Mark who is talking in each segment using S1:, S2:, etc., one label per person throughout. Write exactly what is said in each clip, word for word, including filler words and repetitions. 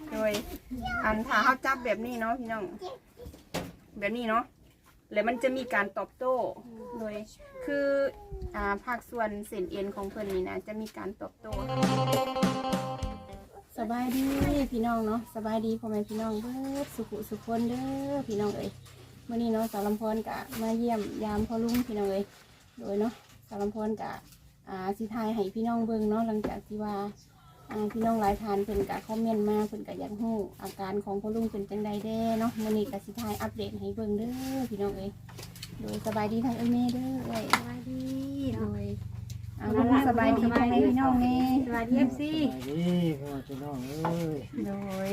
S1: โดยอันถ้าเขาจับแบบนี้เนาะพี่น้องแบบนี้เนาะแล้วมันจะมีการตอบโต้โดยคืออ่าภาคส่วนเส้นเอ็นของเพิ่นนี่นะจะมีการตอบโต้สบายดีพี่น้องเนาะสบายดีพ่อแม่พี่น้องเด้อสุขุสุขคนเด้อพี่น้องเอ้ยเมื่อนี้เนาะสาวลำพรกะมาเยี่ยมยามพ่อลุงพี่น้องเอ้ยโดยเนาะสาวลำพรกะอ่าสิทายให้พี่น้องเบิ่งเนาะหลังจากที่ว่าอ่าพี่น้องหลายทานเพิ่นกะคอมเมนต์มาเพิ่นกะอยากรู้อาการของพ่อลุงเป็นจังใดแด้เนาะมื่อนี้กะสิทายอัปเดตให้เบิ่งเด้อพี่น้องเอ้ยโดยสบายดีทางเอ้ยแม่เด้อเอ้ย
S2: สวัสดี
S1: โดยอ่าสบายดีพ่อแม่พี่น้องแน่
S2: สวัสดีเอฟซี
S3: สวัสดีพ่อพี่น้องเอ้ย
S1: โดย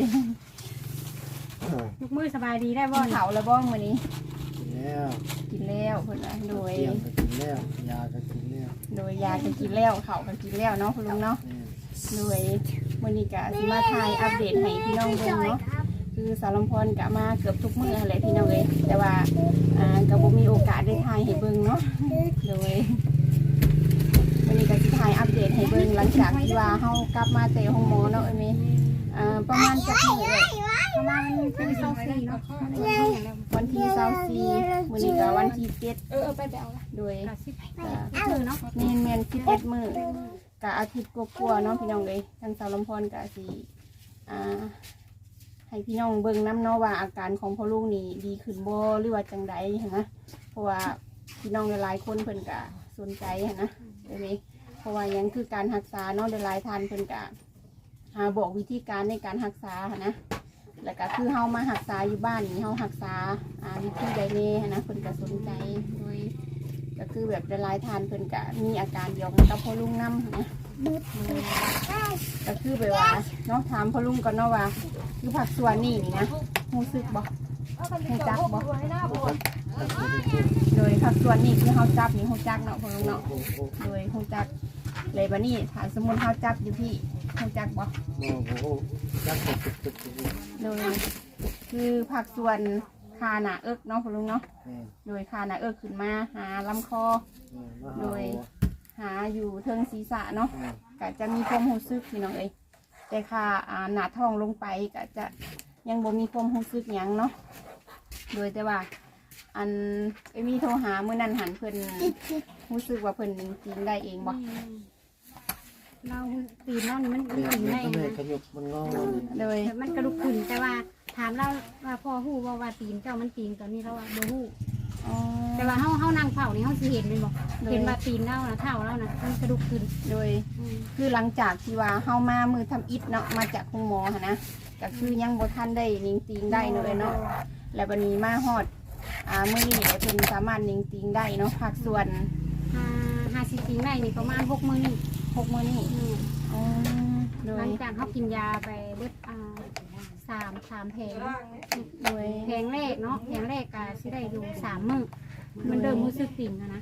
S2: ทุกมื้อสบายดีได้บ่
S1: กินเขาแล้วบ้องมื้อนี้
S3: กินแล้ว
S1: กินแล้วเพิ่นว่าโดย
S3: เที่ยงก็กินแล้วยาก็กินแล้ว
S1: โดยยาก็กินแล้วเขาก็กินแล้วเนาะคุณลุงเนาะ
S3: แม่
S1: โดยมื้อนี้ก็สิมาถ่ายอัปเดตให้พี่น้องเบิ่งเนาะคือสาวลำพรก็มาเกือบทุกมื้อแหละพี่น้องเอ้ยแต่ว่าอ่าก็บ่มีโอกาสได้ถ่ายให้เบิ่งเนาะโดยมื้อนี้ก็สิถ่ายอัปเดตให้เบิ่งหลังจากที่ว่าเฮากลับมาแต่ห้องหมอเนาะเอ้ยแม่อ่าประมาณจักมื้อเอ้ย
S2: ประมาณเป็นเซาซีเนาะ
S1: วันที่เศร้าสี่มื้อนี้ก็วันที่เจ็ด
S2: เออไปไปเอาละ
S1: โดย
S2: กะสิบมื้อเนาะ
S1: เมนเมนสิบเอ็ดมื้อกะอาทิตย์กว่าๆเนาะพี่น้องเลยทางสาวลำพรกะสิอ่าให้พี่น้องเบิ่งน้ำเนาะว่าอาการของพ่อลุงนี่ดีขึ้นบ่หรือว่าจังใดหั้นนะเพราะว่าพี่น้องหลายๆคนเพิ่นกะสนใจหั้นนะเดี๋ยวนี้เพราะว่ายังคือการรักษาเนาะหลายๆท่านเพิ่นกะหาบอกวิธีการในการรักษาหั้นนะแล้วก็คือเฮามารักษาอยู่บ้านนี่เฮารักษาอ่าวิธีใดแน่หั้นนะเพิ่นก็สนใจโดยก็คือแบบหลายๆท่านเพิ่นกะมีอาการเดียวกันกับพ่อลุงนำหั้นนะก็คือแบบว่าเนาะถามพ่อลุงก่อนเนาะว่าคือผักส่วนนี่นี่นะรู้สึกบ่รู้จักบ่โดยผักส่วนนี่คือเฮาจับนี่รู้จักเนาะพ่อลุงเนาะโดยรู้จักเลยบัดนี้ถ้าสมมุติเฮาจับอยู่พี่รู้จักบ่
S3: โอ้โหจักตึกตึกตึกตึก
S1: โดยคือผักส่วนคาหนาเอิกเนาะพ่อลุงเนาะ
S3: แม่
S1: โดยคาหนาเอิกขึ้นมาหาลำคอ
S3: แม่มา
S1: โด
S3: หาย
S1: หาอยู่เทิงศีรษะเนาะ
S3: แม่
S1: ก็จะมีความรู้สึกพี่น้องเอ้ยแต่ค่ะอ่าหนาท้องลงไปก็จะยังบ่มีความรู้สึกหยังเนาะโดยแต่ว่าอันไอ้มีโทรหาเมื่อนั้นหันเพิ่นรู้สึกว่าเพิ่นจริงได้เองบ่
S2: เราตีนเรานี่มัน
S3: เดี๋ยว
S2: ขึ้น
S3: มัน
S2: ได้
S3: ก็เลย
S2: นะ
S3: ขยุบมันงอ
S1: โดย
S2: มันกระดูกขึ้นแต่ว่าถามเราว่าพ่อฮู้ว่าว่าตีนเจ้ามันตีนตอนนี้เราว่าบ่ฮู้
S1: อ๋อ
S2: แต่ว่าเฮาเฮานั่งเฝ้านี่เฮาสิเห็นเลยบ่เห็นว่าตีนเราน่ะเท้าเราน่ะมันกระดูกขึ้น
S1: โดย
S2: อืม
S1: คือหลังจากที่ว่าเฮามามือทำอิฐเนาะมาจากคุณหมอหั่นนะก็คือยังบ่ทันได้นิ่งติงได้เนาะเอ้ยเนาะแล้วบัดนี้มาฮอดอ่ามื้อนี้ได้เพิ่นสามารถนิ่งติงได้เนาะภาคส่วน
S2: อ่าห้าสิบตีนได้นี่ประมาณหกมื้อนี่
S1: หกมื้อนี้
S2: อืม
S1: อ๋อโด
S2: หลั
S1: ย
S2: งจากเขากินยาไปเบิดอ่าสามสามแผง
S1: โดย
S2: แผงแรกเนาะแผงแรกก็สิได้อยู่สามมื้อมันเดิมมือสึกติ่งอะนะ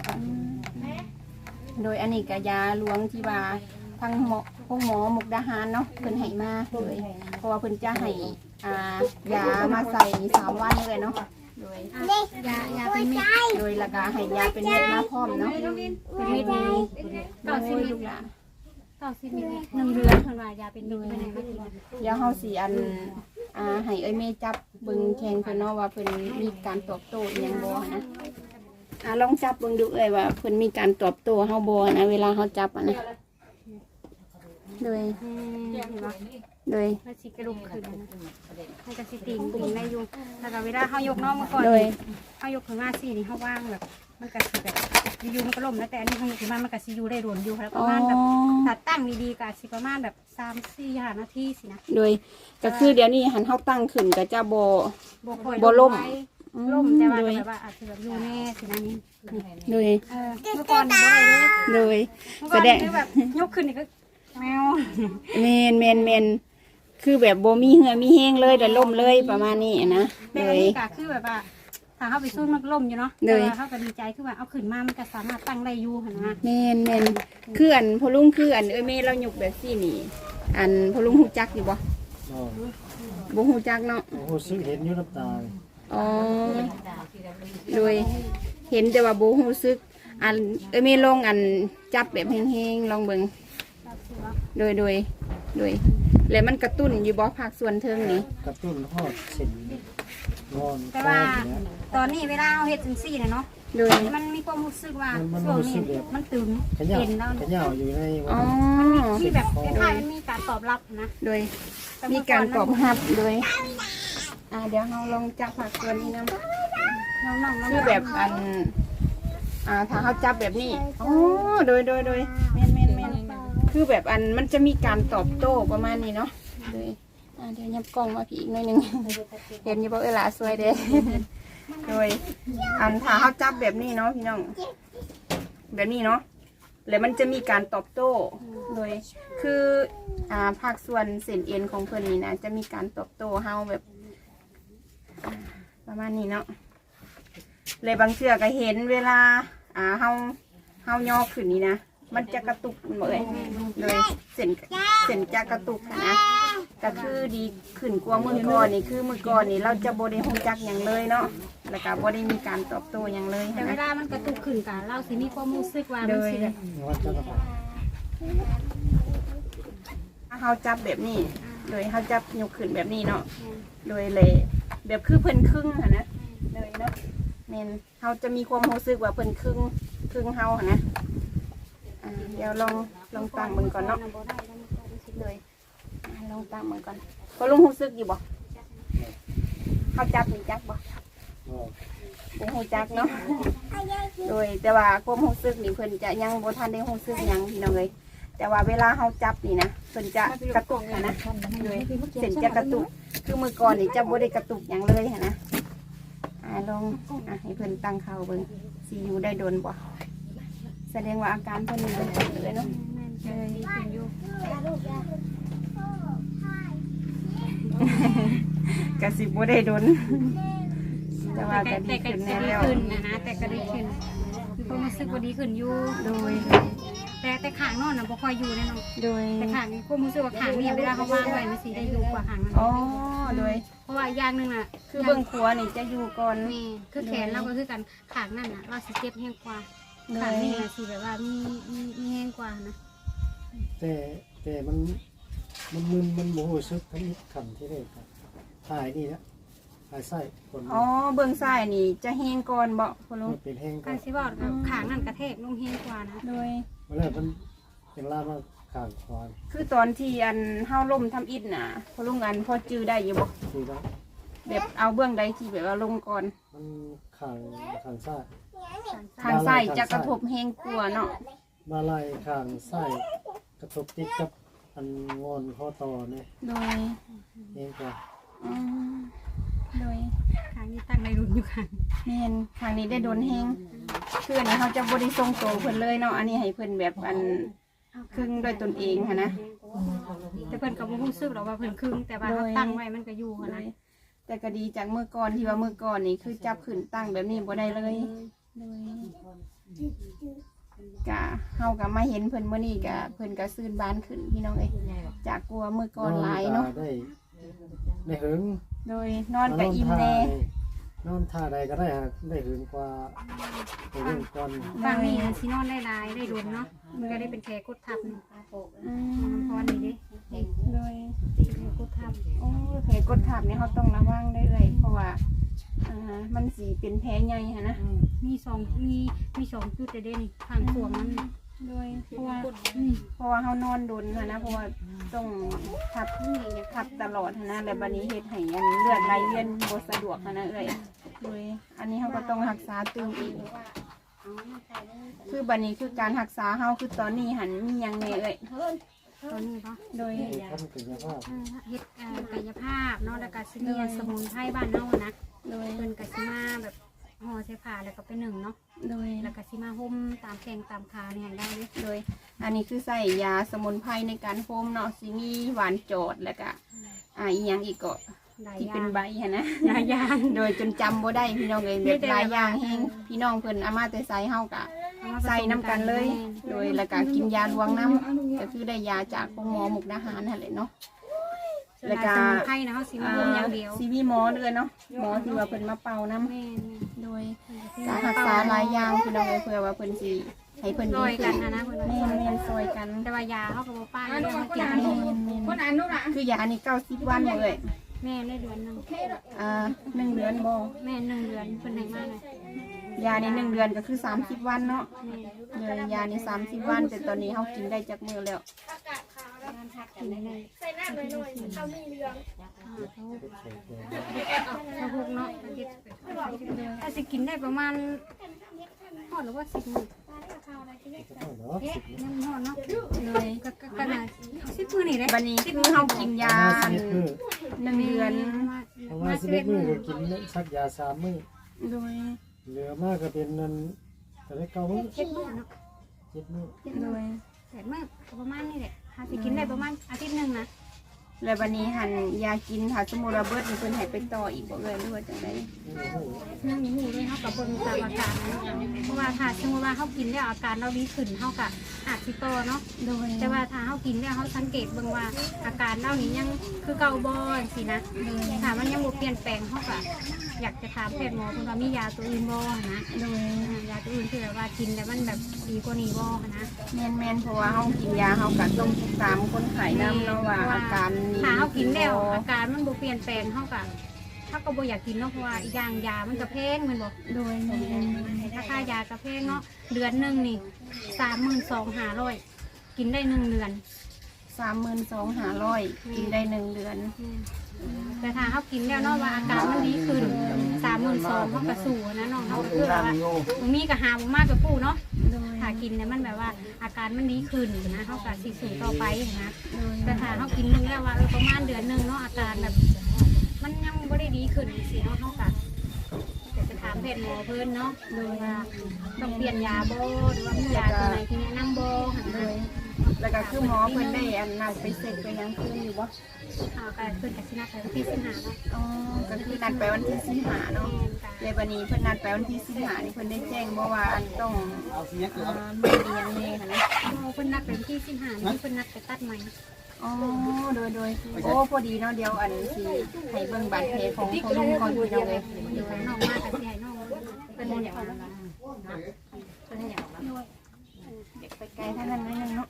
S1: โดยอันนี้ก็ยาหลวงที่ว่าทางหมอพวกหมอมุกดาหารเนาะเพิ่นให้มาเลยเพราะว่าเพิ่นจะให้อ่ายามาใส่สามวันเลยเนาะโดย
S2: อ่ะยายาเป็นเม็ด
S1: โดยแล้วก็ให้ยาเป็นเม็ดมาพร้อมเนาะ
S2: เป็นเม็ดนี้
S1: โดยลูกหลาน
S2: ต่อสิบเม็ดหนึ่งเดือนเพิ่นว่ายาเป็นเม็ดไม่ได้มากินนะ
S1: เดี๋ยวเฮาสิอันอ่าให้เอ้ยแม่จับเบิ่งแข่งเพิ่นเนาะว่าเพิ่นมีการตอบโต้อิหยังบ่นะอ่าลองจับเบิ่งดูเอ้ยว่าเพิ่นมีการตอบโต้เฮาบ่นะเวลาเฮาจับอ่ะนะโดย
S2: อืมเห็นบ่
S1: โดย
S2: มันสิกระดูกขึ้นนะมันก็สิติ่งติ่งได้อยู่แล้วก็เวลาเฮายกน้องมาก่อน
S1: โดย
S2: เฮายกขึ้นมาสินี่เฮาว่างแบบมันก็สิแบบอยู่ๆมันก็ล่มแล้วแต่อันนี้เฮายกขึ้นมามันก็สิอยู่ได้โดนอยู่แล้วประมาณแบบ ถ้าตั้งดีๆก็สิประมาณแบบสามสี่ห้านาทีสินะ
S1: โดยก็คือเดี๋ยวนี้หันเฮาตั้งขึ้นก็จะบ่
S2: บ่ค่อย
S1: บ่ล่ม
S2: ไว้
S1: อื
S2: ล่มแต่ว่า
S1: โด
S2: ก็
S1: ย
S2: แบบว่าอาจจะแบบอยู่แน่สินะนี่นี่
S1: โดย
S2: เออเมื่อก่อนนี่บ่ได้เลย
S1: โดย
S2: เมื่อ
S1: แส
S2: ก่อน
S1: ด
S2: นี่
S1: ง
S2: คือแบบยกขึ้นนี่ก็แมว
S1: แมนแมนแมนคือแบบบ่มีเหือมีแห้งเลยแต่ล่มเลยประมาณนี้นะ
S2: แต่
S1: โด
S2: อัน
S1: ย
S2: นี้ก็คือแบบว่าถ้าเข้าไปสู้มันก็ล่มอยู่เนาะ
S1: โด
S2: แต่
S1: ย
S2: ว่าเขาก็ดีใจคือว่าเอาขึ้นมามันก็สามารถตั้งได้อยู่หั่นนะ
S1: แมนแมนคืออันพอลุงคืออันเอ้ยแม่เราหยกแบบซี่นี่ อันพอลุงฮู้จักอยู่บ่
S3: โอ้
S1: บ่ฮู้จักเนาะ
S3: โหซื้อเห็นอยู่น้ำตา
S1: อ๋อโดยเห็นแต่ว่าบ่ฮู้สึกอันเอ้ยแม่ลองอันจับแบบแห้งๆลองเบิ่งโดยโดยโดยแล้วมันกระตุ้นอยู่บ่ภาคส่วนเทิงนี่
S3: กระตุ้นฮอดเส้นงอน
S2: แต่ว่า
S3: ก้อนเนี่ย
S2: ตอนนี้เวลาเราเฮ็ดจังซี่น่ะเนาะ
S1: โดย
S2: มันมีความรู้สึกว่า
S3: มัน
S2: ช่วง
S3: รู้สึ
S2: นี้
S3: กแบบ
S2: มันตึง
S3: ขยับ
S2: เห็นแล้ว
S3: ขยับอยู่ใน
S1: อ๋อ
S2: มีแบบคล้ายๆมันมีการตอบรับนะ
S1: โดยมีการตอบรับโดยอ่าเดี๋ยวเราลองจับภาคส่วนนี้นะ
S2: น้องๆ
S1: คือแบบอันอ่าถ้าเขาจับแบบนี้อ๋อโดยโดยโดยแม่นแม่นแม่นคือแบบอันมันจะมีการตอบโต้ประมาณนี้เนาะโดยอ่าเดี๋ยวยับกล้องมาพี่อีกหน่อยหนึง เห็นอยี่บ่เออล่ะสวยเด้ โดยอันถ้าเขาจับแบบนี้เนาะพี่น้องแบบนี้เนาะแล้วมันจะมีการตอบโต้โดยคืออ่าภาคส่วนเส้นเอ็นของเพิ่นนี่นะจะมีการตอบโต้เฮาแบบอ่าประมาณนี้เนาะเลยบางเชือก็เห็นเวลาอ่าเฮาเฮาย่อขึ้นนี่นะมันจะกระตุกหมดเลยโดยเส้นเส้นจะกระตุกนะก็คือดีขึ้นกว่าเมื่อก่อนนี่คือเมื่อก่อนนี่เราจะบ่ได้ฮู้จักหยังเลยเนาะแล้วก็บ่ได้มีการตอบโต้หยังเลย
S2: แต่เว
S1: นะ
S2: ลามันกระตุกขึ้นกันเราสิมีความรู้สึกว่ามันสิแบบ
S3: วัดจักรพรรดิ
S1: ถ้าเฮาจับแบบนี้โดยเฮาจับยกขึ้นแบบนี้เนาะโดยเลยแบบคือเพิ่นครึ่งหั่นนะเลยเนาะแม่นเฮาจะมีความรู้สึกว่าเพิ่นครึ่งครึ่งเฮาหั่นนะอ่าเดี๋ยวลองลองตั้งมึงก่อนเนาะเลยอ่าลองตั้งมึงก่อนก็ลุงรู้สึกอยู่บ่เฮาจับนี่จักบ่
S3: ก็
S1: บ่ฮู้จักเนาะโดยแต่ว่าความรู้สึกนี่เพิ่นจะยังบ่ทันได้รู้สึกหยังพี่น้องเอ้ยแต่ว่าเวลาเฮาจับนี่นะเพิ่นจะกระตุกหั่นนะโดยเส้นจะกระตุกคือมื้อก่อนนี่จะบ่ได้กระตุกหยังเลยหั่นนะอ่าลองอ่ะให้เพิ่นตั้งเข่าเบิ่งสิอยู่ได้โดนบ่แสดงว่าอาการเพิ่นนี่เพิ่นเลยเนาะ
S2: ดีขึ้นอยู่
S1: กะสิบ่ได้โดนแต่ว่า
S2: แต่
S1: ก็
S2: แต่
S1: ดี
S2: ก็
S1: ขึ้น
S2: ดี
S1: แน่แล้ว
S2: ขึ้นนะนะแต่ก็ดีขึ้นมีความรู้สึกว่าดีขึ้นอยู่
S1: โดย
S2: แต่แต่ขางนอนน่ะบ่ค่อยอยู่แน่นอน
S1: โดย
S2: แต่ขางนี้ความรู้สึกว่าขางนี่เวลาเขาวางไว้มันสิได้อยู่กว่าขางนั้น
S1: อ๋อโดย
S2: เพราะว่าอย่างหนึงน่ะ
S1: คือเบื้องครัวนี่จะอยู่ก่อน
S2: นี่คือแขนเราก็คือกันขางนั่นน่ะเราสิเจ็บแห้งกว่า
S1: โด
S2: ขาง
S1: ย
S2: นี่น่ะสิแบบว่ามีมีมีแห้งกว่านะ
S3: แต่แต่มันมันมึนมันโมโหซึกทั้งนี้ขันที่ได้ครับถ่ายนี่นะถ่ายไส้คน
S1: อ๋อเบื้องซ้ายนี่จะแห้งก่อนบ่พ่อลุง
S3: มันเป็นแห้งกั
S2: กาน รสิบอกแบบขางนั่นกระแทกลงแห้งกว่านะ
S1: โดย
S3: เวลามันเป็นล่ามาข่างควาน
S1: คือตอนที่อันเฮาล่มทำอิฐน่ะพ่อลุงอันพอจื้อได้อยู่บ่
S3: คือว่า
S1: แบบเอาเบื้องใดที่แบบว่าลงก่อน
S3: มันข่างข่างไส้
S1: ทางซ้ายจะกระทบแห้งกลัวาเนาะ
S3: มาไล่ข่างไส้กระทบติดกับอันงอนข้อต่อเนี่ย
S1: โดย
S3: แห้งกว่า
S1: อืมโดย
S2: ขางนี้ตั้งในรุ่นอยู่ค่ะ
S1: แม่นทางนี้ได้โดนแห้งคืออันนี้เขาจะบ่ได้ทรงโตวเพิ่นเลยเนาะอันนี้ให้เพิ่นแบบอันครึ่งด้วยตนเองค่ะนะ
S2: แต่เพิ่นก็บ่รู้สึกหรอกว่าเพิ่นครึ่งแต่ว่าเขาตั้งไว้มันก็อยู่หั้น
S1: เล
S2: นะ
S1: ยแต่ก็ดีจากเมื่อก่อนที่ว่าเมื่อก่อนนี่คือจับขึ้นตั้งแบบนี้บ่ได้เลยเลยกะเฮากะมาเห็นเพิ่นเมื่อนี้กะเพิ่นกะซื่นบานขึ้นพี่น้องเอ้ยจากกลัวเมื่อก่อนหลายเนาะ
S3: ได้ได้หึง
S1: โดยนอนกะอิ่มแน่
S3: นอนท่าใดก็ได้ฮะได้หึงกว่าไปเรื่องก่อน
S2: บางนี่สินอนได้หลายได้รวมเนาะมันก็ได้เป็นแผลกดทับนี่
S1: อื
S2: น้ำ
S1: ม
S2: พรนี่เด้
S1: โดย
S2: เป็นแผลกดทับ
S1: โอ้ยแผลกดทับนี่เขาต้องระวังได้เลยเพราะว่าอ่ามันสีเป็นแผลใหญ่ค่ะนะ
S2: มีสองมีมีสองจุดเด่นข้างขวงมัน
S1: โดยเพราะว่า
S2: อืม
S1: เพราะว่าเขานอนดนค่ะนะเพราะว่าต้องทับนี่ทับตลอดค่ะนะแล้วบัดนี้เฮ็ดให้อันเลือดไหลเวียนบ่สะดวกค่ะนะเอ้ยโดยอันนี้เขาก็ต้องรักษาตื่นอีกคือบัดนี้คือการรักษาเฮาคือตอนนี้หันมีหยังแน่เอ้ย
S2: ตอนนี้ปะ
S1: โดย
S3: ท่านเป็นสภาพ
S2: เออเฮ็ดเอ่อกายภาพเนาะแล้วก็สิมีสมุนไพรบ้านเฮานะ
S1: โดย
S2: เพิ่นก็สิมาแบบห่อใส่ผ้าแล้วก็ไปนึ่งเนาะ
S1: โดย
S2: แล้วก็สิมาห่มตามแข้งตามขาเนี่ยให้ได้เลย
S1: โดยอันนี้คือใส่ยาสมุนไพรในการโฮมเนาะสิมีหวานโจดแล้วก็อ่าอีหยังอีกก็
S2: หลาย
S1: ที่
S2: อย่า
S1: เป็น
S2: ง
S1: ใบค่ะนะ
S2: หลายอย่าง
S1: โดยจนจำบ่ได้พี่น้องเลยแบบหลายอย่างแฮงพี่น้องเพิ่นเอามาแต่ใส่เฮากะใส่น้ำกันเลย โดยแล้วก็กินยาลวงน้ำก็คือได้ยาจากโรงหมอมุกดาหารนั่นแหละเนาะ
S2: แล้วก็สมุนไพรนะเฮาสิมาห่มอย่างเดียว
S1: ซีวีหมอเลยเนาะหมอที่ว่าเพิ่นมาเป่าน้ำ
S2: แม่น
S1: โดย
S2: ๆ
S1: การรักษาหลายอย่างพี่น้องเลยเพื่อว่าเพิ่นสิให้เพิ่น
S2: ซ
S1: ดี
S2: อย
S1: ขึ้
S2: กัน
S1: น
S2: นะนะเพิ่นว่า
S1: แม่นแม่นซอยกัน
S2: แต่ว่ายาเขาก็บ่ป้าเลยเขากิน
S1: แม่นแม่น
S4: คนอ่านนู่นอ่ะ
S1: คือยานี่เก้าสิบวันเลย
S2: แม่ได้เดือนหนึง
S1: อ่าหนึ่งเดือนบ่
S2: แม่หนึ่งเดือนเพิ่นให้มาเลย
S1: ยานี่หนึ่งเดือนก็คือสามสิบวันเนาะ
S2: แม่
S1: เลยยานี่สามสิบวันแต่ตอนนี้เฮากินได้จักมื้อแล้ว
S2: กินได้เลย
S4: ใส่หน้าหน่อยหน่อยเขามีเรื่อง
S2: ถ้าพวกเนาะถ้าสิกินได้ประมาณฮอดหรือว่าสิบมื้อ
S3: เนาะ
S2: นั่นฮอดเนาะเลยก็ก็ก็น่าสิบมื้อนี่แหละ
S1: บัดนี้คือเฮากินยา
S3: มาสิบมื้อ
S1: หนึ่งเดือน
S3: เพราะว่าสิบเอ็ดมื้อก็กินสักยาสามมื้อ
S1: โดย
S3: เหลือมากก็เป็นนั่นแต่ได้เก้ามื้อ
S2: เจ็ดมื้อเนาะ
S3: เจ็ดมื้อ
S1: โดย
S2: แปดมื้อก็ประมาณนี้แหละถ้าสิกินได้ประมาณอาทิตย์หนึงนะ
S1: แล้วบัดนี้หันยากินถ้าสมมุติว่าเบิดนี่เพิ่นให้ไปต่ออีกบ่เอ่ยหรือว่าจังได๋
S3: โอ้โห
S2: นั่งอยู่หูเลยเฮากับเบิ่งตามอาการนะเพราะว่าถ้าสมมติว่าเฮากินแล้วอาการเราดีขึ้นเฮาก็อาจสิต่อเนาะ
S1: โดย
S2: แต่ว่าถ้าเฮากินแล้วเฮาสังเกตเบิ่งว่าอาการเรานี่ยังคือเก่าบ่จังซี่นะถ้ามันยังบ่เปลี่ยนแปลงเฮาก็อยากจะถามแพทย์หมอเพิ่นว่ามียาตัวอื่นบ่นะ
S1: โดย
S2: ยาตัวอื่นที่แบบว่ากินแล้วมันแบบดีกว่านี้บ่นะ
S1: แม่นแม่นเพราะว่าเฮากินยาเฮาก็ต้องติดตามคนไข้นำเนาะว่าอาการนี่
S2: ถ้าเฮากินแล้วอาการมันบ่เปลี่ยนแปลงเฮาก็เฮาก็บ่อยากกินเนาะเพราะว่าอีกอย่างยามันก็แพงแม่นบ่
S1: โดยแม่น
S2: ราคายากระเพงเนาะเดือนหนึ่งนี่สามหมื่นสองห้าร้อยกินได้หนึ่งเดือน
S1: สามหมื่นสองพันห้าร้อยกินได้หนึ่งเดือน
S2: แต่ถ้าเขากินแล้วเนาะว่าอาการมันดีขึ้นสามหมื่นสองเขากระสู่นะน้องเขาก็คือแบบว่าบ่มีกระหาบ่มากกับปู่เนาะ
S1: โดย
S2: ถ้ากินเนี่ยมันแบบว่าอาการมันดีขึ้นนะเขาก็สิสู่ต่อไปนะ
S1: โดย
S2: แต่ถ้าเขากินหนึงแล้วว่าเออประมาณเดือนหนึ่งเนาะอาการแบบมันยังไม่ได้ดีขึ้นสิเนาะเขาก็จะไปถามแพทย์หมอเพิ่นเนาะโดยว่าต้องเปลี่ยนยาบ่หรือว่ามียาตัวไหนที่แนะนำบ่หัน
S1: โด
S2: เลย
S1: ยแล้วก็คือหมอเพิ่นได้อันนัดไปเสร็จไปยังคืนอยู่บ่
S2: เอาก็เพิ่นก็สินัดไปวันที่สิบห้าเนาะ
S1: อ๋อก็คือนัดไปวันที่สิบห้าเนาะเลยบัดนี้เพิ่นนัดไปวันที่สิบห้านี่เพิ่นได้แจ้งบ่ว่าอันต้องอ่ามีอีหยังแน่ค่ะนะ
S2: เพิ่นนัดไปวันที่สิบห้านี่เพิ่นนัดไปตัดใหม่
S1: อ๋อโดยโดยโอ้พอดีเนาะเดี๋ยวอันสิให้เบิ่งบาดแผลของของลุงก่อนพี่น้องเลย
S2: อยู่ข้างนอกมาแต่สิให้น้องเพิ่นอย่างนั้น
S1: ไปไกลท่านนั้นนิดนึงเนาะ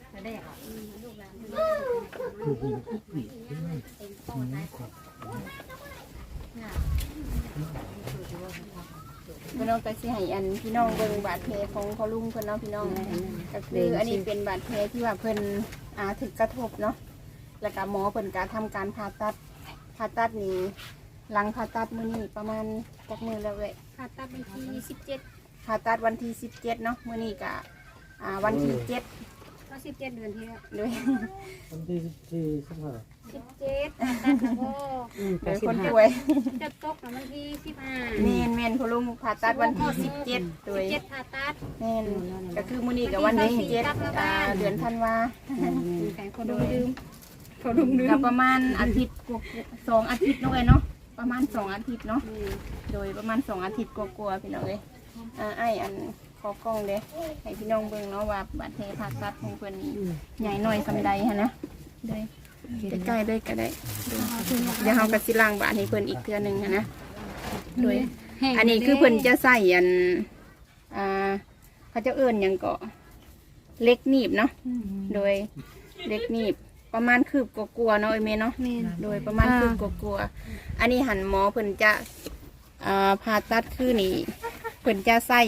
S1: พี่น้องก็สิให้อันพี่น้องเบิ่งบาดแผลของพ่อลุงเพิ่นเนาะพี่น้องก็คืออันนี้เป็นบาดแผลที่ว่าเพิ่นอ่าถึกกระทบเนาะแล้วก็หมอเพิ่นก็ทำการผ่าตัดผ่าตัดนี่หลังผ่าตัดมื้อนี้ประมาณจักมื้อแล้วเว้ย
S2: ผ่าตัดวันที่สิบเจ็ด
S1: ผ่าตัดวันที่สิบเจ็ดเนาะมื้อนี้ก็อ่าวันที่เจ็ด
S2: ก็สิบเจ็ดเดือนที่แล้ว
S1: ด้วย
S3: วันที่ที่สิบห้า
S2: สิบเจ็ดผ่าตัดแล้วก็
S1: โดยคนป่วย
S2: จะตกวันที่สิบห้า
S1: เมนเมนพ่อลุงผ่าตัดวันที่สิบเจ็ดโด
S2: สิ
S1: ย
S2: บเจ็ดผ่าตัด
S1: แม่นก็คือมื้อนี้กับวันที่เจ็ดอ่าเดือนธันวา
S2: แข่งคนดูดื่มคนดูดื่
S1: ก็
S2: ม
S1: ประมาณอาทิตย์กว่าๆสองอาทิตย์เนาะเอ้ยเนาะประมาณสองอาทิตย์เนาะโดยประมาณสองอาทิตย์กว่าๆพี่น้องเอ้ยอ่าไอ้อันขอกล้องเด้ให้พี่น้องเบิ่งเนาะว่าบาดแผลผ่าตัดของเพิ่นนี่ใหญ่น้อยสำใดฮะนะโดยใกล้ๆเลยก็ได้เดี๋ยวเฮาก็สิล้างบาดให้เพิ่นอีกเทื่อหนึงหั้นนะโดย อันนี้คือเพิ่นจะใส่อันอ่าเขาจะเอิ้นหยังก็เล็กหนีบเนาะโดยเล็กหนีบประมาณคืบกลัวาๆเนาะไอเมเนาะ
S2: แม่น
S1: โดยประมาณคืบกลัวาๆอันนี้หันหมอเพิ่นจะอ่าผ่าตัดคือนี่เพิ่นจะใส่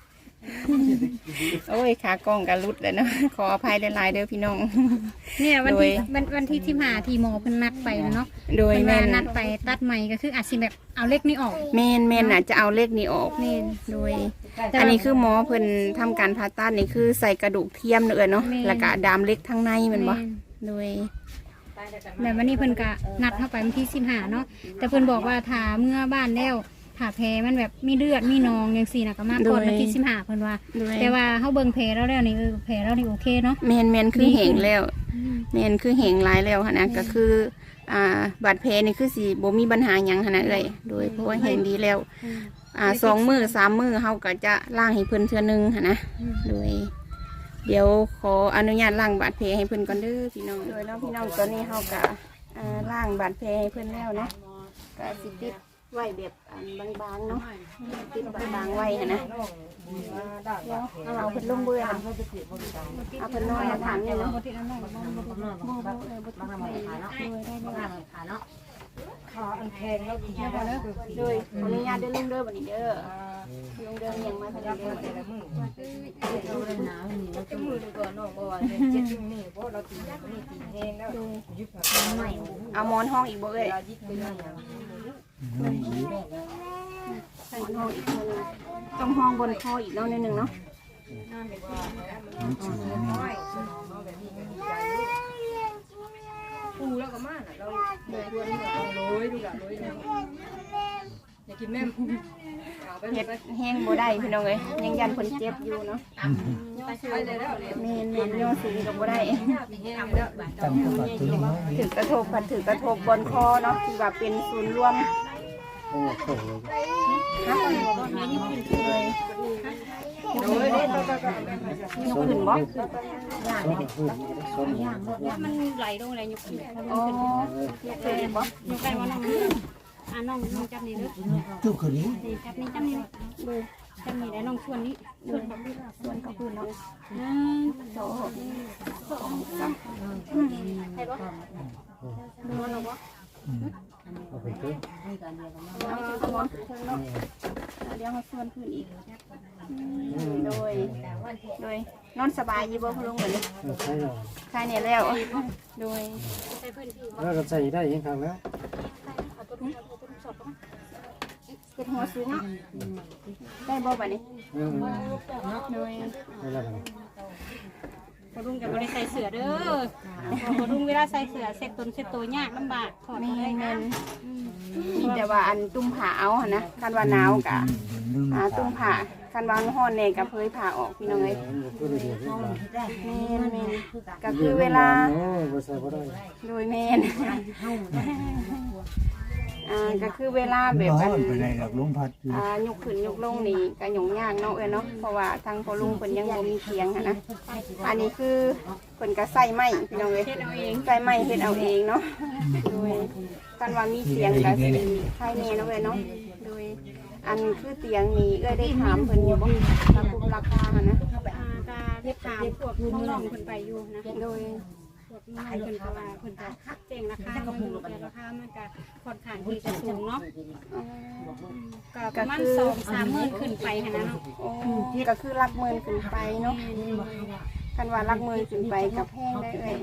S1: โอ้ยขากล้องกันรุดเลยเนาะขออภัยหลายๆเด้อพี่น้อง
S2: เนี่ยวันที่
S1: โดย
S2: วันวันที่ที่มาที่หมอเพิ่นนัดไปนะเนาะ
S1: โดย
S2: เพิ่น
S1: แม่
S2: ว่าน นัดไปตัดใหม่ก็คืออาจสิแบบเอาเล็กนี่ออก
S1: แม่นแม่นน่ะจะเอาเลขนี้ออก
S2: แม่น
S1: โดย อันนี้คือหมอเพิ่นทำการผ่าตัดนี่คือใส่กระดูกเทียมเนอะเนาะ
S2: แม่น
S1: แล้วก็ดามเล็กทั้งในแมันบ่โดย
S2: แบบวันนี้เพิ่นก็นัดเข้าไปวันที่สิบห้าเนาะแต่เพิ่นบอกว่าถ้าเมื่อบ้านแล้วถ้าแผลมันแบบมีเลือดมีหนองจังซี่น่ะก็มาก่อนวันที่สิบห้าเพิ่นว่า
S1: โดย
S2: แต่ว่าเฮาเบิ่งแผลแล้วแล้วนี่เออแผลแล้วนี่โอเคเนาะ
S1: แม่นแม่นคือเหงแล้วแม่นคือเหงหลายแล้วหั่นนะก็คืออ่าบาดแผลนี่คือสิบ่มีปัญหาหยังหั่นนะเอ้ยโดยเพราะว่าเหงดีแล้วอ่าสองมื้อสามมื้อเฮาก็จะล้างให้เพิ่นเทื่อนึงหั่นนะโดย เดี๋ยวขออนุญาตล้างบาดแผลให้เพิ่นก่อนเด้อพี่น้องโดยเนาะพี่น้องตอนนี้เฮาก็อ่าล้างบาดแผลให้เพิ่นแล้วเนาะก็สิติดไว้แบบอันบางๆเนาะติดบางๆไว้หั่นนะแล้วเอาเพิ่นลงเบื่อเอาเพิ่นนอนมาถามเนี่ยเนาะบ่ติดอันนั้นบ่บ่บ่เออบ่ติดเลยเนาะได้ได้เนาะขาอันแพงแล้วกินบ่เด้อโดยขออนุญาตเด้อลุงเด้อบัดนี้เด้อลุงเด้อยังมาทันเด้อแต่ละมื้อเอาหมอนห้องอีกบ่เอ้ยใส่หมอนห้องอีกคนนึงต้องห้องบนคออีกแล้วนิดนึงเนาะปูแล้วก็มาเราเดือดด้วยเราโรยดูละโรยอยากกินแม่เห็ดแห้งบ่ได้พี่น้องเอ้ยยังยันคนเจ็บอยู่เนาะเมนเมนโยสีกับบ่ได้ถือกระทบผัดถือกระทบบนคอเนาะที่ว่าเป็นศูนย์รวมฮักเลยเลยยกขึ้นบ่
S2: มันไหลลงอะไรยกขึ้น
S1: อ๋อยกขึ้นบ่
S2: ยกกันว่าน้องอ่าน้องน้องจับนี่เด้อ
S5: จุกคนนี้
S2: นี่จับนี่จับนี่เลยจับนี่แล้วน้องชวนนี่ชวนกับ
S1: ส่วนก็คือเนาะ
S2: หนึ่งสองสองสามใครบ่ดูน้องบ่
S3: เอาไปเพิ่ม
S1: เอาสมองขึ้นเนาะเดี๋ยวเขาส่วนขึ้นอีกโดยโดยนอนสบายอยู่บ่คุณลุงเหมือน
S3: ใช่หรอ
S1: ใช่เนี่ยแล้วโดย
S2: ใส่เพิ่นพี่บ่
S3: แล้วก็ใส่ได้ยังครั้งแล้ว
S2: เอาตัวนี้เอาตัวนี้สอบบ่
S1: เก็ดหัวสูงได้บ่บัดนี้
S3: เออ
S1: โดย
S3: ได้แล้วกัน
S2: พอลุงจะบ่ได้ใส่เสื้อเด้อพอลุงเวลาใส่เสื้อเซ็ตตนเซ็ตตัวยากลำบากถอด
S1: แม่
S2: บ่ได้
S1: นแม่นมีแต่ว่าอันตุ้มผ้าเอาหั่นนะคันว่าหนาวกะอ่าตุ้มผ้าคันว่าร้อนแน่ก็เผยผ้าออกพี่น้องเอ้ย
S3: ก็เลยเดี๋ยวนี้
S1: แม่นแม่นก็คือเวลา
S3: โอ้บ่ใส่บ่ได้
S1: โดยแม่นอ่าก็คือเวลาแบบอัน
S5: ไปไหนหลักลมพัด
S1: อ่ายกขึ้นยกลงนี่ก็หยุ่งยากเนาะเอ้ยเนาะเพราะว่าทางพ่อลุงเพิ่นยังบ่มีเตียงหันนะอันนี้คือเพิ่นก็ใส่ไม้พี่น้องเอ้ย
S2: เฮ็ดเอาเอง
S1: ใส่ไม้เฮ็ดเอาเองเนาะโดยกันว่ามีเตียงก็สิภายในเนาะเอ้ยเนาะโดยอันคือเตียงนี้เอ้ยได้ถามเพิ่นอยู่บ่ราคาราคาหั่นนะ
S2: อ่าก็เฮ็ดตามพวกน้องๆเพิ่นไปอยู่นะ
S1: โดย
S2: พวกน้องเพิ่นก็ว่าเพิ่นก็แจ้งราคามาอยู่แต่ราคามันก็ค่อนข้างที่จะสูงเนาะ
S1: อ๋อ
S2: ก็ประมาณสองสามหมื่นขึ้นไปหั่นนะเนาะ
S1: โอ้ก็คือหลักหมื่นขึ้นไปเนาะกันว่าหลักหมื่นขึ้นไปกับแพงได้เอ้ย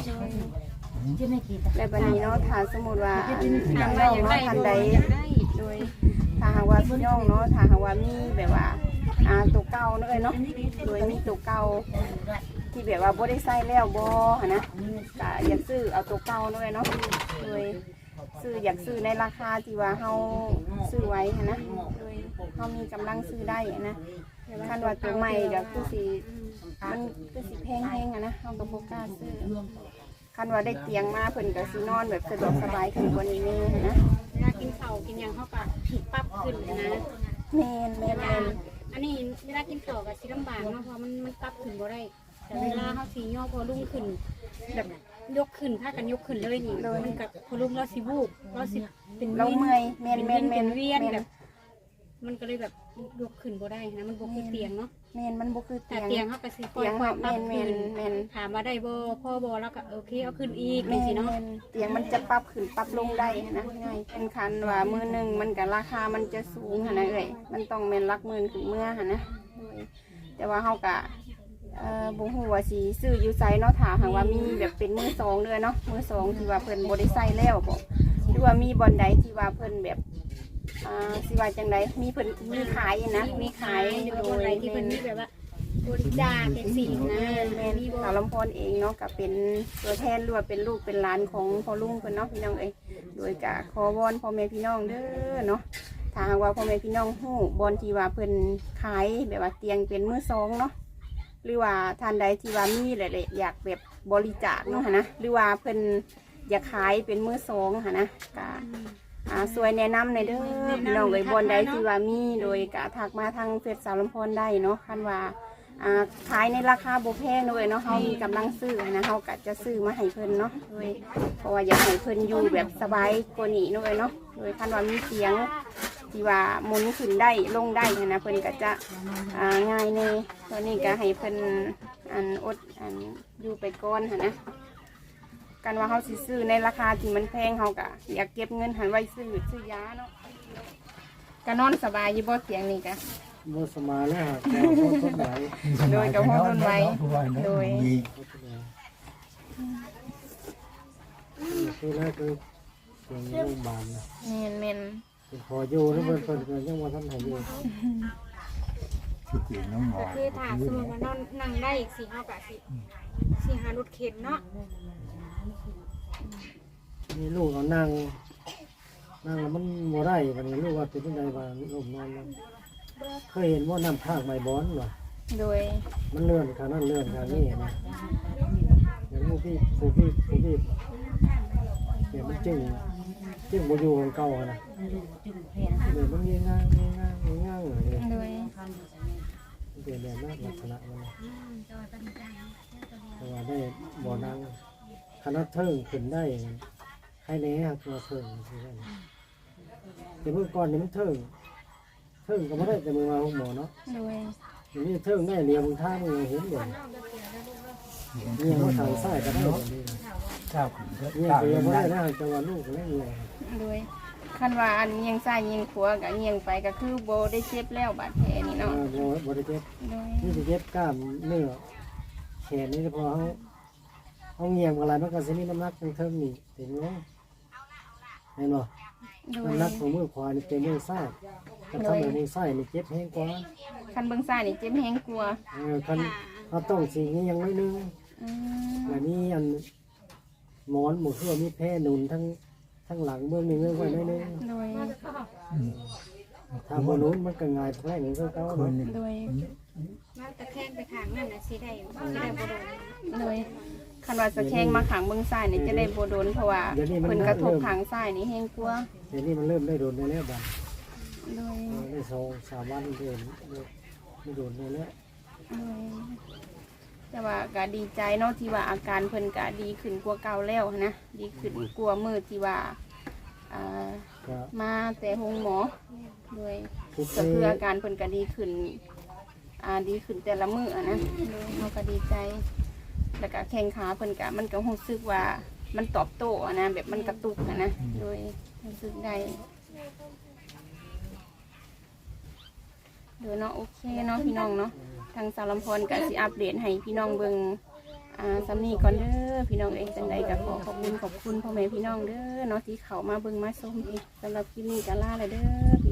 S1: และบัดนี้เนาะถ้าสมมุติว่าทางน้องเนาะทันใดโดยถ้าหากว่าพี่น้องเนาะถ้าหากว่ามีแบบว่าอ่าตัวเก่าเนาะเอ้ยเนาะโดยมีตัวเก่าที่แบบว่าบ่ได้ใส่แล้วบ่หั่นนะก็อยากซื้อเอาตัวเก่าเนาะเอ้ยเนาะโดยซื้ออยากซื้อในราคาที่ว่าเฮาซื้อไว้หั่นนะโดยเฮามีกำลังซื้อได้หั่นนะคันว่าตัวใหม่ก็คือสิมันคือสิแพงแฮงอ่ะนะเฮาก็บ่กล้าซื้อคันว่าได้เตียงมาเพิ่นก็สินอนแบบสะดวกสบายขึ้นกว่านี้แน่หั่นนะ
S2: เวลากินข้าวกินหยังเขาก็ปรับขึ้นนะ
S1: แม่นแม่นแม่น
S2: อันนี้เวลากินข้าวก็สิลำบากเนาะเพราะมันมันปรับขึ้นบ่ได้แต่เวลาเฮาสิย่อพอลุ่งขึ้นแบบยกขึ้นพากันยกขึ้นเลยนี่มันกับพอลุ่งเราสิวูบเราสิเป็น
S1: เราเมื่อยแม่น
S2: เป็น
S1: แม่น
S2: เป็
S1: แม่น
S2: นเวียน
S1: แม่น
S2: แบบ มันก็เลยแบบยกขึ้นบ่ได้นะมันบ่คือเตียงเนาะ
S1: แม่นมันบ่คือ
S2: แต่
S1: เตียง
S2: เตียงเฮาก็สิค่
S1: เตียง
S2: อย
S1: เฮา
S2: ๆปรั
S1: แม่
S2: บ
S1: น
S2: ขึ้
S1: แม่
S2: น
S1: นแม่น
S2: ถามว่าได้บ่พ่อบ่แล้วก็โอเคเอาขึ้นอีก
S1: แม่
S2: จังซี่เนาะ
S1: นเตียงมันจะปรับขึ้นปรับลงได้นะง่ายเป็นคันว่ามือหนึงมันก็ราคามันจะสูงหั่นนะเอ้ยมันต้องแม่นหลักหมื่นขึ้นเมื่อหั่นนะโดยแต่ว่าเฮาก็เอ่อบ่ฮู้ว่าสิซื้ออยู่ไสเนาะถ้าหากว่ามีแบบเป็นมือสองเด้อเนาะมือสองที่ว่าเพิ่นบ่ได้ใส่แล้วบ่หรือว่ามีบ่อนใดที่ว่าเพิ่นแบบอ่าสิว่าจังไดมีเพิ่นมีขายนะมีขาย
S2: หรือ
S1: โด
S2: ว่าอะไร
S1: ย
S2: ที่
S1: เป็
S2: เพิ่น
S1: น
S2: มีแบบว่าบริจาคจังซี่นะ
S1: แม่น
S2: มีบ่
S1: สาวลำพรเองเนาะก็เป็นตัวแทนหรือว่าเป็นลูกเป็นหลานของพ่อลุงเพิ่นเนาะพี่น้องเอ้ยโดยกะขอวอนพ่อแม่พี่น้องเด้อเนาะถ้าหากว่าพ่อแม่พี่น้องฮู้บอนที่ว่าเพิ่นขายแบบว่าเตียงเป็นมือสองเนาะหรือว่าท่านใดที่ว่ามีหลายๆอยากแบบบริจาคเนาะหั่นนะหรือว่าเพิ่นอยากขายเป็นมือสองหั่นนะกะอ่าสวยแนะนำในอยเด้อพี่น้องเอ้ยบอนใดที่ว่ามีโดยกะทักมาทางเฟซสาวลำพรได้เนาะคันว่าอ่าขายในราคาบ่แพงเลยเนาะเฮามีกำลังซื้อนะเฮาก็จะซื้อมาให้เพิ่นเนาะโดยเพราะว่าอยากให้เพิ่นอยู่แบบสบายกว่านี้เลยเนาะโดยคันว่ามีเสียงที่ว่าหมุนขึ้นได้ลงได้นะเพิ่นก็จะอ่าง่ายแน่ตอนนี้ก็ให้เพิ่นอันอดอันอยู่ไปก่อนหั่นนะกันว่าเฮาสิซื้อในราคาที่มันแพงเฮาก็อยากเก็บเงินหันไว้ซื้อซื้อยาเนาะก็นอนสบายอยู่บ่เสียงนี่ก็
S3: บ่สมาแล้วฮะแต่พอทนไหว
S1: โดยกับพ่อคนไว้โดย
S5: มี
S3: พอทนไหวคือแรกคือเสียงโรงพยาบาลนะ
S1: เมนเมน
S3: เป็นพออยู่แล้วเพิ่นเพิ่นก็ยังบ่ทันให้อยู่
S5: คือเสียงน้ำหมอ
S2: ก็คือถ้าสมมติว่านอนนั่งได้อีกสี่ห้ากะสิสิหารถเข็นเนาะ
S3: นี่ลูกเอานั่งนั่งแล้วมันบ่ได้บัดนี้ลูกว่าเป็นจังไดว่าลูกนอนแล้วเคยเห็นว่าน้ำภาคไม้บอนบ่
S1: โดย
S3: มันเลื่อนข้างนั้นเลื่อนข้างนี้นะอย่างผู้พี่ผู้พี่ผู้พี่เดี๋ยวมันจึงจึงบ่อยู่ของเก่าอะนะเดี๋ยวมันเงี้ยง่างเงี้ยง่างเงี้ยง่างเลย
S1: โดย
S3: มันเป็นแบบนั้นลักษณะมันนะเพราะว่าได้บ่อนั่งคณะเทิงขึ้นได้ให้แน่ครับตัวเทิงคือได้แต่เมื่อก่อนนี่มันเทิงเทิงก็ไม่ได้แต่มือมาของหมอเนาะ
S1: โดย
S3: อย่างนี้เทิงได้เรียบนท่ามือเห็นอยู่นี่ยังว่าทางซ้ายก็ได้แบบนี้
S5: เจ้าขึ้นก็
S3: นี่
S5: เจ้า
S3: ก็
S5: เลี้
S3: ยั
S5: ย
S3: ง
S5: ง
S3: ไม่
S5: ได้
S3: ได้นะจังหวะลูกก็เล่นเลย
S1: โดยคันว่าอันเงียงซ้ายเงียงขวากับเงียงไปก็คือโบได้เจ็บแล้วบาดแผลนี่เนาะ
S3: บริเจ็บ
S1: โดย
S3: นี่จะเจ็บกล้ามเนื้อแขนนี่พอเขาเขาเงียบอะไรมันก็จะมีน้ำหนักทางเทิงนี่เห็นไหมเห็นบ่
S1: โดย
S3: น้ำหนักของมือขวานี่เป็นมือซ้ายถ้าทำแบบมือซ้ายนี่เจ็บแห้งกว่า
S1: คันเบิ่งซ้ายนี่เจ็บแฮงกลัวา
S3: เออคันเขาต้องสีนี้ยังไม่นึง
S1: อืม
S3: แบบนี้อันหมอนหมูเสื้อมีแพร่หนุนทั้งทั้งหลังเบื้องนี้เงื่อนไว้ได้นึง
S1: โดย
S3: ถ้าบนนู้นมันก็ง่ายแพร่หนึ่งก็เก้า
S5: คนห
S3: เนาะ
S5: นึ่ง
S1: โดย
S2: แล้วตะแคงไปข้างนั่นน่ะสิได้สิได้บ่โดน
S1: โดยคันว่าสะแข้งมาขังเบิ่งซ้ายนี่จะได้โบโดนเพราะว่าเพิ่นกระทบขางซ้ายนี่แฮงกลัวา
S3: เดี๋ยวนี้มันเริ่มได้โดนได้แล้วบัด
S1: โดย
S3: ได้สองสามวันเดินไม่โดนได้แล้ว
S1: โดยแต่ว่าก็ดีใจเนาะที่ว่าอาการเพิ่นก็ดีขึ้นกว่าเก่าแล้วนะดีขึ้นกว่ามื้อที่ว่าอ่า
S3: ก็
S1: มาแต่ห้องหมอโดย
S3: ทุก
S1: ก็
S3: ที
S1: คืออาการเพิ่นก็ดีขึ้นอ่าดีขึ้นแต่ละมื้ออะนะโดยเราก็ดีใจ แล้วก็แข้งขาเพิ่นก็มันก็รู้สึกว่ามันตอบโต้อะนะแบบมันกระตุกอะนะโดยรู้สึกได้โดยเนาะโอเคเนาะพี่น้องเนาะทางสาวลำพรก็สิอัปเดตให้พี่น้องเบิ่งอ่าสำนีก่อนเด้อพี่น้องเองจังใดก็ขอขอบคุณขอบคุณพ่อแม่พี่น้องเด้อเนาะที่เขามาเบิ่งมาชมสำหรับคลิปนี้ก็ลาเลยเด้อ